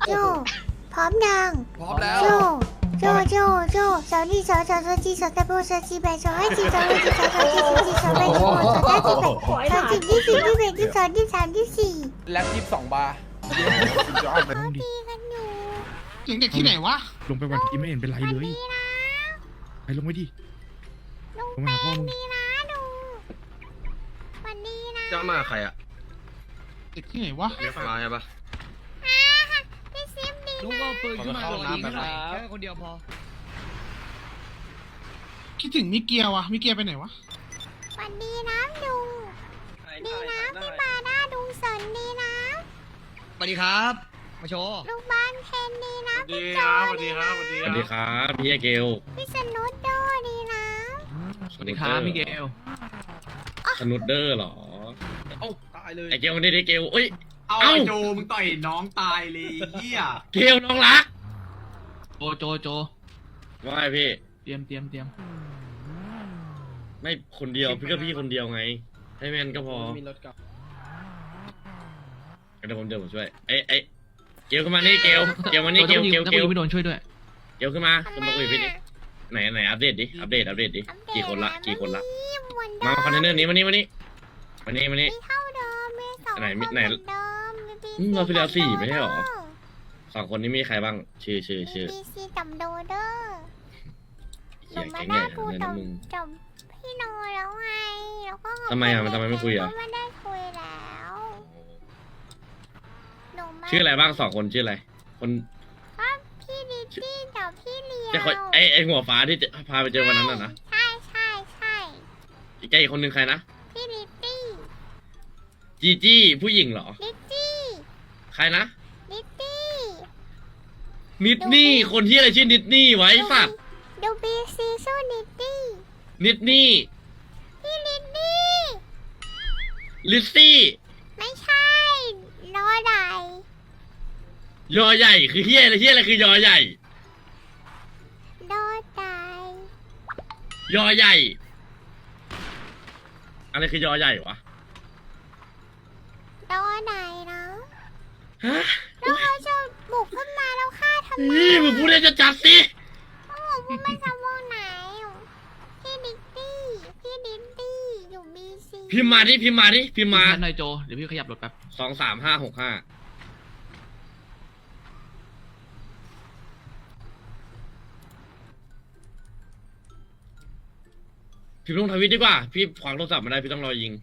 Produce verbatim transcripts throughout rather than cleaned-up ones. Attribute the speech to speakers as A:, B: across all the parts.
A: โจพร้อมยัง
B: พร้อมแล้ว
A: โจโจโจโจสาวนี่สาวสาวสาวจีสาวตะโบสาวจีแบสาวไอจีสาวไอจีสาวสาวจีสาวจีสาวแบสาวสาวจีแบสาวจีที่สี่ที่แปดที่สองที่สามที่สี่
B: แล็บยี่สิบสองบาร์
A: เขาตีกันอยู่
C: เสียงเด็กที่ไหนวะ
D: ลงไปวันที่ไม่เห็นเป็นไรเลย
A: ดีนะ
D: ไปลงไปดิ
A: ลุง
D: ลงมาหาพ่อมึง
A: ดีนะลุงวันดีนะ
E: จะมาใครอะ
C: เด็กที่ไหนวะ
E: เรียกมาใช่ปะ
A: อ่าพี่ซิมดี
F: ลุง
A: นะ
F: เอาปืนขึ้นมาเลยยิงหน่อยแค่คนเดียวพอ
C: คิดถึงมิเกียวอะมิเกียวไปไหนวะ
A: วันดีนะลุงดีนะพี่มาหน้าลุงสนดีนะ
F: สวัสดีครับ มาโชว์
A: ลูกบ้านเพนดีนะพี่โจดีนะ
E: สวัสดีครับพี่เกล
A: พี่สนุดโดดีนะ
E: สวัสดีครับพี่เกลสนุดเดอร์เหรอ
F: เอ้าตายเลย
E: ไอเกลนี่ได้เกลเอ้ย
G: เอา
E: เอ้า
G: ไอ้โจมึงต่อยน้องตายเลยเฮีย
E: เกลน้องรัก
F: โจโจโจ
E: ว่าไงพี่
F: เตรียมเตรียมเตรียม
E: ไม่คนเดียวพี่ก็พี่คนเดียวไง ให้แมนก็พอ
F: มีรถกลับ
E: เดี๋ยวผมเดี๋ยวผมช่วยไอไอเกลขึ้นมานี่เกลเกลมานี่เกลเกล
F: นัก
E: เกล
F: บุญไม่โดนช่วยด้วย
E: เกลขึ้นมาขึ้นมาคุยกับพี่ดิไหนไหนอัปเดตดิอัปเดตอัปเดตดิกี่คนละกี่คนละมาคอนเทนเนอร์นี้มานี่มานี่มานี่มานี่
A: มีเท่าเดิมมีสอง
E: ไหนมี
A: คน
E: ไหน
A: เหมือนเดิมมีบี
E: อืมเราไปแล้วสี่ไม่ใช่หรอ สองคนนี้มีใครบ้างชื่อชื่อชื่อ
A: บีซีกับโดเดอร์ห
E: เขี
A: นู
E: ยน
A: ไม่
E: แก๊งให
A: ได้
E: ญ่
A: พูด
E: เลย
A: กั
E: นะ
A: บ
E: มึง
A: กับพี่โนแล้วไงแล้วก็
E: ทำไมอ่ะมันทำไมไม่คุยอ่ะ
A: ก็ไม่ได้คุยแล้วหนูไม่
E: ชื่ออะไรบ้างสองคนชื่ออะไร คน
A: ก็พี่ดิตี้กับพี่เลียว
E: จะคอยไอไอหัวฟ้าที่จะพาไปเจอวันนั้นน่ะนะ
A: ใช่ใช่ใช่
E: อีกอีกคนหนึ่งใครนะ
A: พี่ดิตี้
E: จีจี้ผู้หญิงเหรอ
A: ดิตี้
E: ใครนะ
A: ดิตี้
E: นิดนี่คนที่อะไรชื่อนิดนี่ไว้สัตว์
A: ดูบีซีสู้ดิตี้
E: นิดนี่
A: พี่ดิตี้
E: ลิซซี่
A: ไม่ใช่รอใด
E: ยอใหญ่คือเฮียอะไรเฮียอะไรคือยอใหญ่
A: รอใด
E: ยอใหญ่อะไรคือยอใหญ่วะ
A: รอใดนะ
E: ฮะ
A: แล้วเขาจะบุกขึ้นมาแล้วฆ่าทำไม
E: นี่มึงพูดเล่นจะจัดสิ
A: โอ้โหพวกมันจะวงไหนพี่ดิตี้พี่ดิตี้อยู่บีซี
E: พิมพ์มาดิพิมพ์มาดิพิมพ์มา
F: แทนหน่อยโจ เดี๋ยวพี่ขยับรถแป๊บ
E: สองสามห้าหกห้าพิมพ์ลงทวิตดีกว่า พี่ขวางโทรศัพท์มาได้พี่ต้องรอยิง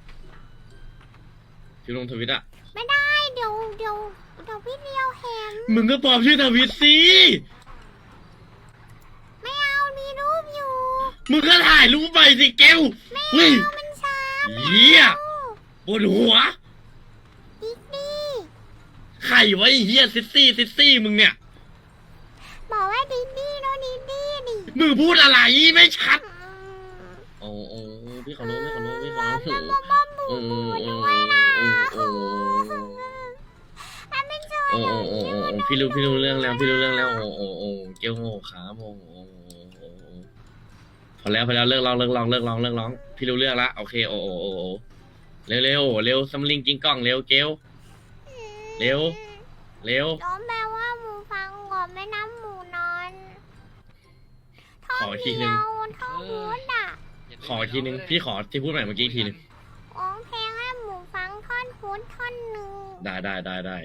E: พิมพ์ลงทวิตอะ
A: ไม่ได้เดี๋ยวเดี๋ยวเดี๋ยวพี่เลียวเห็น
E: มึงก็ปลอมชื่อทวิตสิ
A: ไม่เอามีรูปอยู่
E: มึงก็ถ่ายรูปไปสิเกล
A: ไม่
E: เฮ้ย
A: เอามันช้า
E: เหี้ยปวดหัว
A: ดิตี้
E: ไข่ไว้เฮียซิซี่ซิซี่มึงเนี่ย
A: บอกว่าดิตี้โนดิตี้ดิ
E: มึงพูดอะไรไม่ชัด
A: อืม
E: โอ้โอ้พี่ขอรู้พี่ขอรู้พี่ขอ
A: แล้ว
E: รู้
A: ก็บ้าบู
E: โอ้
A: บู
E: โอ้
A: ด้วยนะ
E: โอ้โอ้
A: ถ้าเป็นโจร
E: โอ้
A: อย่าง
E: โอ้
A: นี้
E: โอ้
A: มัน
E: พี่รู้พี่รู้เรื่องแล้วพี่รู้เรื่องแล้วโอ้โอ้โอ้เกลโง่ขาโอ้โอ้โอ้พอแล้วพอแล้วเลิกร้องเลิกร้องเลิกร้องเลิกร้องพี่รู้เรื่องละโอเคโอ้โอ้โอ้โอ้เร็วเร็วเร็วซัมลิงกิงกล้องเร็วเกลเร็วเร็ว
A: น้องแปลว่าหมูฟังก่อนไม่น้ำหมูนอนท่อ
E: ขออีกทีหนึ่
A: เดี
E: ง
A: ยวท่อพูดอ่ะ
E: ขออีกทีนึงพี่ขอที่พูดใหม่เมื่อกี้อีกทีนึง
A: ร้องเพลงให้หมูฟังท่อนพูดท่อนหนึ่ง
E: ได้ได้ได้ได้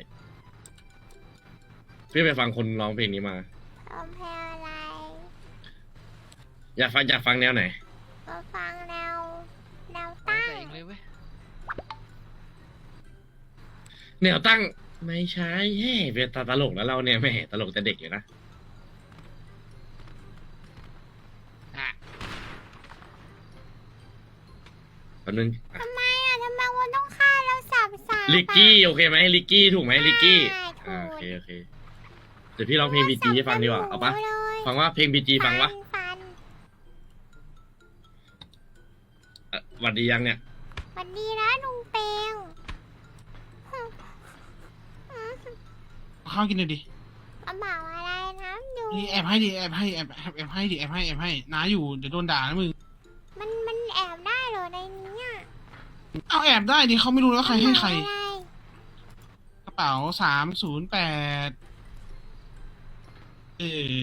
E: พี่ไปฟังคนร้องเพลงนี้มา
A: ร้องเพลงอะไร
E: อยากฟังอยากฟังแนวไหน
A: มาฟังแนวแนว
F: ตั้
A: ตั้
F: ง
A: ง
F: แต่เองเลยเว้ย
E: แนวตั้งไม่ใช่เฮ้เป็นตลกแล้วเราเนี่ยแหม่ตลกแต่เด็กอยู่นะ
F: อ่ะ
E: แป๊บนึงอ่ะ
A: ทำไมอ่ะทำไมวันต้องฆ่าเราสับสา
E: ลิกกี้โอเคไหมลิกกี้ถูกไหมลิกกี้
A: ใช่
E: อ่า
A: ถู
E: โอก เคโอเคเดี๋ยวพี่ร้องเพลงบีจีให้ฟังดีกว่าเอาปะ
A: เลย
E: ฟังว่าเพลงบีจีฟังวะ
A: ฟัน
E: อ่ะหวัดดียังเนี่ย
A: วันดีนะลุงเปง
C: เอาข้าวกินหน่อยดิ
A: กระเป๋าอะไรนะดู
C: นี่แอบให้ดิแอบให้แอบแอบแอบให้ดิแอบให้แอบให้น้าอยู่เดี๋ยวโดนด่านะมึง
A: มันมันแอบได้เหรอในนี้อ่ะ
C: เอาแอบได้ดิเขาไม่รู้แล้วใครให้ใคร
A: กระเป๋าอะไร
C: กระเป๋าสามศูนย์แปดเออ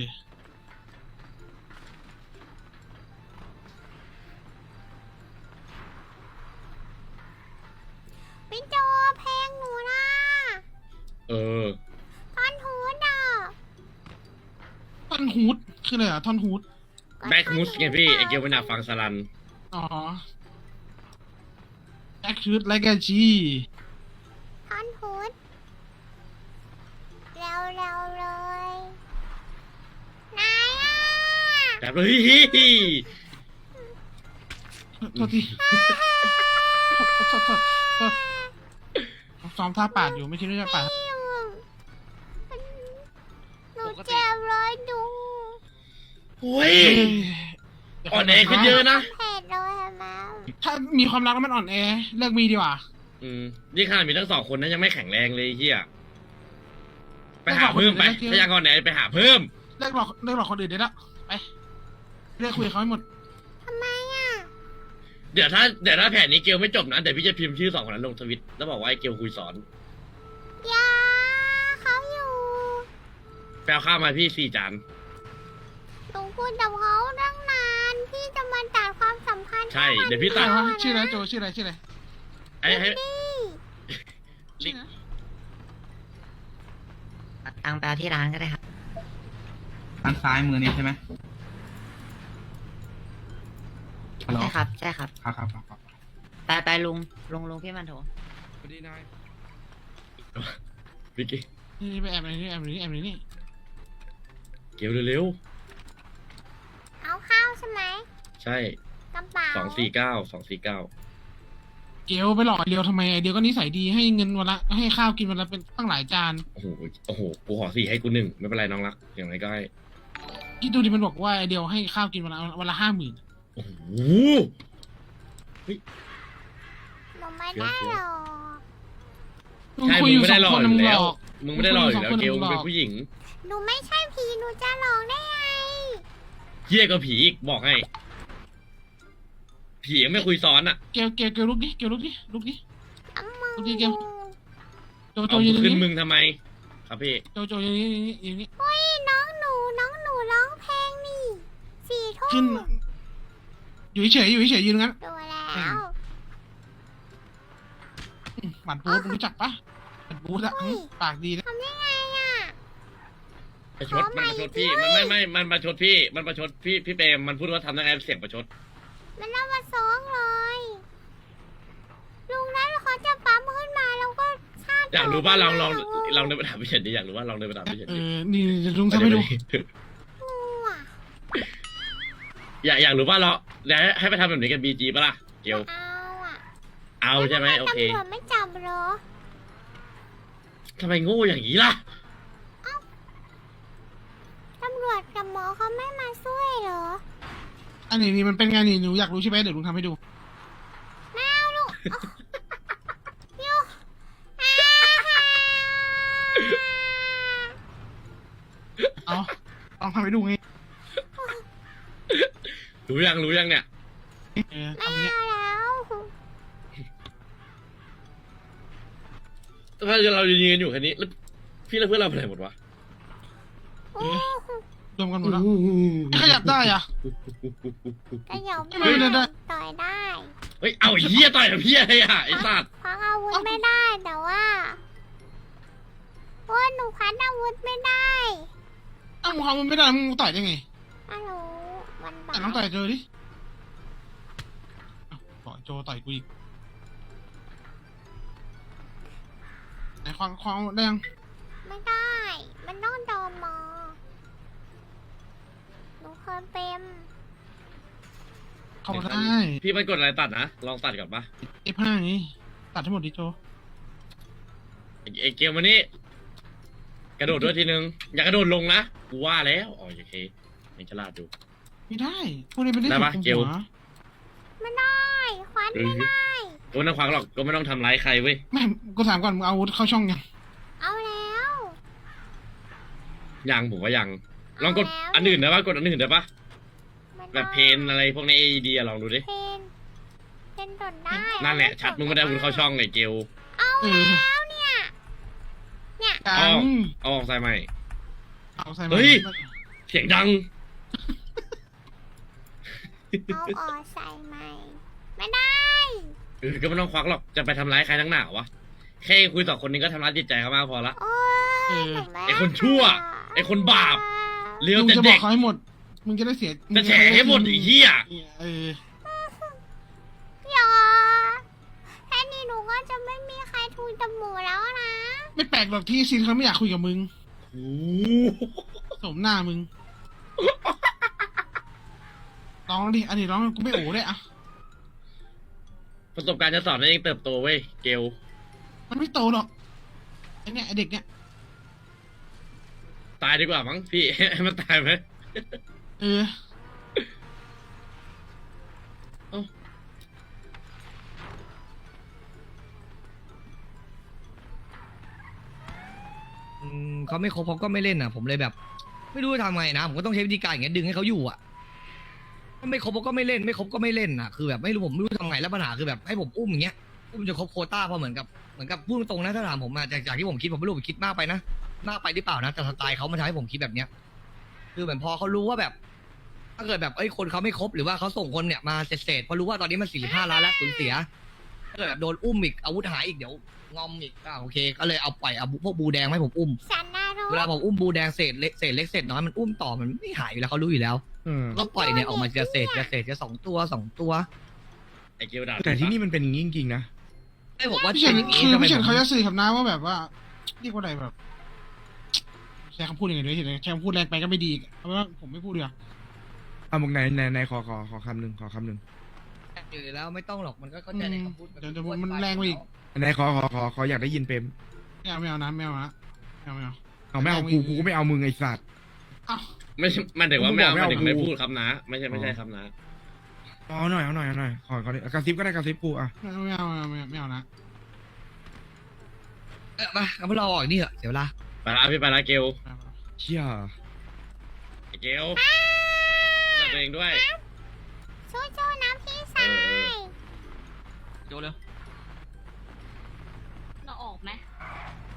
A: พี่โจเพลงหนูนะ
E: เออ
A: ท่อนฮูดอ่ะ
C: ท่อนฮูดคืออะไรอ่ะท่อนฮูด
E: แบ็คมูสไงพี่ไอเกลมันอยากฟังสลัน
C: อ๋อแอคชูดไลกาจี
A: ท่อนฮูดเร็วเร็วๆเลยนายอ่ะ
E: แบบเฮ้ย
C: โทษทีโทษโทษโทษโทษโทษซ้อมท่าปาดอยู่ไม่คิดว่าจะปาด
A: หนูเจ็บเลยดู
E: โอ้ย
C: เอ้ย
E: อ่อนแอขึ้นเยอะนะ
A: เผ็ดเลยเห็นไหม
C: ถ้ามีความรักแล้วมันอ่อนแอเลิกมีดีกว่า
E: อืมนี่ขนาดมีทั้งสองคนนั้นยังไม่แข็งแรงเลยไอ้เฮียไปหาเพิ่มไปถ้ายังอ่อนแอไปหาเพิ่ม
C: เลิกหลอกเลิกหลอกคนอื่นได้แล้วไปเลิกคุยกับเขาให้หมด
A: ทำไมอ่ะ
E: เดี๋ยวถ้าเดี๋ยวถ้าแผนนี้เกลไม่จบนะเดี๋ยวพี่จะพิมพ์ชื่อสองคนนั้นลงทวิตแล้วบอกว่าไอ้เกลคุยสอน
A: ยาเขาอยู่
E: แปลข้าวมาพี่สี่จาน
A: หนูคุยกับเขาตั้งนานพี่จะมาตัดความสัมพันธ์
E: ใช่เดี๋ยวพี่ตัด
C: อะไรวะชื่ออะไรโจชื่ออะไรชื่ออะไร
E: ไอ้ให้
A: นี่
C: ชื่ออะไร
B: ตังไปเอาที่ร้านก็ได้ครับ
G: ทางซ้ายมือนี่ใช่ไหมฮัลโหล
B: ใช่ครับ ใช่ครับ
G: ครับครับครับครับ
B: ไปไปลุง ลุงลุงพี่มันโถ
D: สวัสดีนาย
E: วิกกี้
C: นี่ไปแอบในนี่แอบในนี่แอบในนี่
E: เกลเร็ว
A: เอาข้าวใช่ไหม
E: ๆใช่
A: กระเป๋า
E: สองสี่เก้าสองสี่เก้า
C: เกลไปหลอกไอเดียวทำไมไอเดียวก็นิสัยดีให้เงินวันละให้ข้าวกินวันละเป็นตั้งหลายจาน
E: โอ้โหโอ้โหกูขอสี่ให้กูหนึ่งไม่เป็นไรน้องรักอย่างไรก็ให้
C: คิดดูดิมันบอกว่าไอเดียวให้ข้าวกินวันละวันละห้าหมื่น
E: โอ้โห
A: หนูไม่ได้หรอก
C: มึง
E: ใช่
C: คุย
E: มึ
C: อง ยู่
E: ไม่
C: สอ
E: ได้
C: ง
E: หลอ
C: ค
E: ก
C: น
E: อ
C: มึ
E: ยู่
C: งหล
E: แล้ว
C: อก
E: มึงไม่ได้หลอกอยู่แล้ว
C: มึงคุ
E: เก
C: ย
E: ล
C: อยู่
E: มึง
C: สองคน
E: เป็นผู้หญิง
A: หนูไม่ใช่ผีหนูจะหลอกได้ไง
E: เหี้ยก็ผีอีกบอกให้ ผียังไม่คุยซ้อนอ่ะ
C: เกลเกลเกลลุกดิเกลลุกดิลุกดิ
A: อ้ำมึง
C: โอเคเกม โจโจ
E: เอา
C: ยืน
E: ขึ้น
C: นี่
E: มึงทำไม ครับพี่
C: โจโจยืนนี่ยืนนี่ยืนนี่
A: เฮ้ยน้องหนูน้องหนูร้องเพลงนี่สี่ทุ่
C: ขึ้น
A: ม
C: อยู่เฉยๆอยู่เฉยๆยืนงั้น
A: ดูแล้ว
C: หมันปูดมึงรู้จักปะหมันปูดอะหึปากดีนะ
A: ทำได้ไงอ่ะ
E: ประชดมันประชดพี่มันไม่ไม่มันประชดพี่มันประชดพี่พี่เปรมมันพูดว่าทำได้ไงเสียงประชด
A: มันเอามาซ้องเลยลุงนั้นเขาจะปั๊มขึ้นมาแล้วก็ชาติ
E: อยากรู้ป่ะลองลอง
A: ต่
E: ลองเดินไปถามพี่เฉินดิอยากรู้ว่าลองเดินไปถามพี่เฉิน
C: เอ
E: ดิ
C: อนี่เดี๋ยวลุงทำให้ดู
A: งูอ่ะ
E: อยากอยากรู้ว่าเราเดี๋ยวให้ให้ไปทำแบบนี้กับบีจีป่ะล่ะเกล
A: เอาอ่ะ
E: เอาใช่ไหมโอเค
A: ตำรวจไม่จับเหรอ
E: ทำไมโง่อย่างนี้ล่ะ
A: ตำรวจกับหมอเขาไม่มาช่วยเหรอ
C: อันนี้นี่มันเป็นไงนี่หนูอยากรู้ใช่ไหมเดี๋ยวลุงทำให้ดู
A: แมวลูกยูอ่า
C: เอาลองทำให้ดูไง
E: รู้ยังรู้ยังเนี่ย
C: เออ
A: ไม่
C: ทำเงี้ย
A: เอาแล้ว
E: ถ้าเรายืนกันอยู่แค่นี้แล้วพี่และเพื่อนเราไปไหนหมดวะ
A: โอ้
C: รวมกันหมดแล้วไม่ขยับได้อะ
A: กระเหยา
C: ไม่ได้ได้
A: ต่อยได้
E: เฮ้ยเอาไอ้เหี้ยต่อยกับเหี้ยไอ้ห่าไอ้สัตว์
A: ควักอาวุธไม่ได้แต่ว่าโอ้ยหนูควักอาวุธไม่ได้
C: เอ้ามึงทำมันไม่ได้มึงต่อยได้ไง
A: ฮัลโหลวันบ่า
C: แต่น้องต่อยเจอดิเอ้าต่อยโจต่อยกูอีกไหนควางควางได้ยัง
A: ไม่ได้ มันต้องโดนมอหนูเคยเป็น
C: เข้ามาได้
E: พี่มันกดอะไรตัดนะลองตัดก่อนปะ
C: เอฟห้านี่ตัดทั้งหมดดิโจ
E: ไอ้ไอ้เกมวันนี้ กระโดดด้วยทีนึงอย่ากระโดดลงนะกูว่าแล้วอ๋อโอเคยังฉลาดอยู่
C: ไม่ได้พวกนี้เป็นได้
E: ได้ปะ
C: ถู
E: เกล
C: หัว
A: ไม่ได้ควันไม่ได้
E: ก็ไม่ต้องควักหรอกก็ไม่ต้องทำร้ายใครเว้ย
C: ไม่กูถามก่อนมึงเอาอาวุธเข้าช่องยัง
A: เอาแล้ว
E: ยังผมว่ายังลองกดอันอื่นได้ปะกดอันอื่นได้ปะ
A: ไม่ได้
E: แบบเพนอะไรพวกในไอเดียลองดูดิ
A: เพนเพนตดได้
E: นั่นแหละชัดมึงไม่ได้อาวุธเข้าช่องไอ้เกล
A: เอา
C: เออ
A: แล้วเนี่ย
C: ยั
E: เอา
C: ง
E: เอาออกใส่ใหม่
C: เอาใส่
E: เฮ้
C: มาย
E: เสียงดัง
A: เอาออกใส่ใหม่ ไม่ได้
E: เออก็ไม่ต้องควักหรอก จะไปทำร้ายใครทั้งหนาวะ แค่คุยสองคนนี้ก็ทำร้ายจิตใจเขามากพอละ
A: โอ้
C: เอย อ
A: หนูม่
E: ไอ้คนชั่วไอ้คนบาป เลี้ยว
C: มึง
E: แต่
C: จะบอ
E: เด็
C: ก
E: ก
C: เขาให้หมด มึงจะได้เสีย
E: จะแฉให้หมดไอ้เหี้ย
C: เออ
A: อย่าแค่นี้หนูก็จะไม่มีใครทูลจมูกแล้วนะ
C: ไม่แปลกหรอกที่ซินเขาไม่อยากคุยกับมึง
E: โอ้
C: สมหน้ามึงร้องดิอันนี้ร้องกูไม่โอ้ได้อะ
E: ประสบการณ์จะสอนให้เองเติบโตเว้ย เกล
C: มันไม่โตหรอกไอเนี่ยไอเด็กเนี่ย
E: ตายดีกว่ามั้งพี่ ให้มันตายไหม
C: เออ
H: อืมเขาไม่ครบเขาก็ไม่เล่นอ่ะ ผมเลยแบบ ไม่รู้จะทำไงนะผมก็ต้องใช้วิธีการอย่างเงี้ยดึงให้เขาอยู่อ่ะถ้าไม่ครบเขาก็ไม่เล่นไม่ครบก็ไม่เล่นอ่ะคือแบบไม่รู้ผมไม่รู้ทำไงแล้วปัญหาคือแบบให้ผมอุ้มอย่างเงี้ยอุ้มจะครบโควต้าพอเหมือนกับเหมือนกับพูดตรงๆนะถ้าถามผมมาจากจากที่ผมคิดผมไม่รู้ผมคิดมากไปนะมากไปหรือเปล่านะแต่สไตล์เขามันทำให้ผมคิดแบบเนี้ย คือเหมือนพอเขารู้ว่าแบบ ถ้าเกิดแบบเอ้ยคนเขาไม่ครบหรือว่าเขาส่งคนเนี่ยมาเศษๆพอรู้ว่าตอนนี้มันสี่สิบห้าล้านแล้วสูญเสียถ้าเกิดแบบโดนอุ้มอีกอาวุธหายอีกเดี๋ยวงอมอีกอ่าโอเค ก็เลยเอาปล่อยเอาพวกบูแดงมาให้ผมอุ้ม
A: ฉันน่ารู้
H: เวลาผมอุ้มบูแดงเศษเล็กเศษเล็กเศษน้อยมันอุ้มต่อมันไม่หายอยู่แล้วเขารู้อยู่แล้ว
D: เออ
H: ก็ปล่อยเนี่ยออกมาทีละเศษทีละเศษทีละสองตัวสองตัว
E: ไอ้เกลด่า
D: แต่ที่นี่มันเป็นอย่างนี้จริงๆนะ
H: ไอ้ผมว่า
C: พี่เฉิน
H: อย่างนี้
C: คือ
H: ทำไม
C: พี่เฉิน
H: ผม
C: เขาจะสื่อกับน้าว่าแบบว่าเรียกว่าอะไรแบบใช้คำพูดยังไงด้วยเห็นไหมใช้คำพูดแรงไปก็ไม่ดีอีกเอาเป็นว่าผมไม่พูดดีกว่า
D: เอาบอกไหนไหนไหนขอขอขอคำหนึ่งขอคำหนึ่ง
H: อยู่แล้วไม่ต้องหรอกมันก็เข้าใจในคำพูด
C: เดี๋ยวเดี๋ยวมันแรงไปอีก
D: ไหนขอขอขอขออยากได้ยินเปรม
C: ไม่เอาไม่เอานะไม่เอานะไม่เอาไม่เอา
D: เอาไม่เอากูกูก็ไม่เอามึงไอ้สัตว์
C: เอ้า
E: ไม่ใช่มันถึงว่าไม่เอา
D: ไม่
E: มัน
D: เอา
E: ถึงไม่
D: กู
E: พูดครับนะ ไม่ใช่ไม่ใช่ครับนะ
D: เอาหน่อยเอาหน่อยเอาหน่อยขอขอกระซิบก็ได้กระซิบกูอ่ะ
C: ไม่เอาไม่เอาไม่เอาไม่เอานะ
H: เออมาเอาพวกเราออกนี่เถอะเสียเวลา
E: ไปละพี่ไปละเกล
C: ไม่เอา
D: เชี่ย
E: ไอ้เกลดูแลตัวเองด้วย
A: สู้ๆนะพี่ชาย
F: โจเร็ว
I: เราออกไหม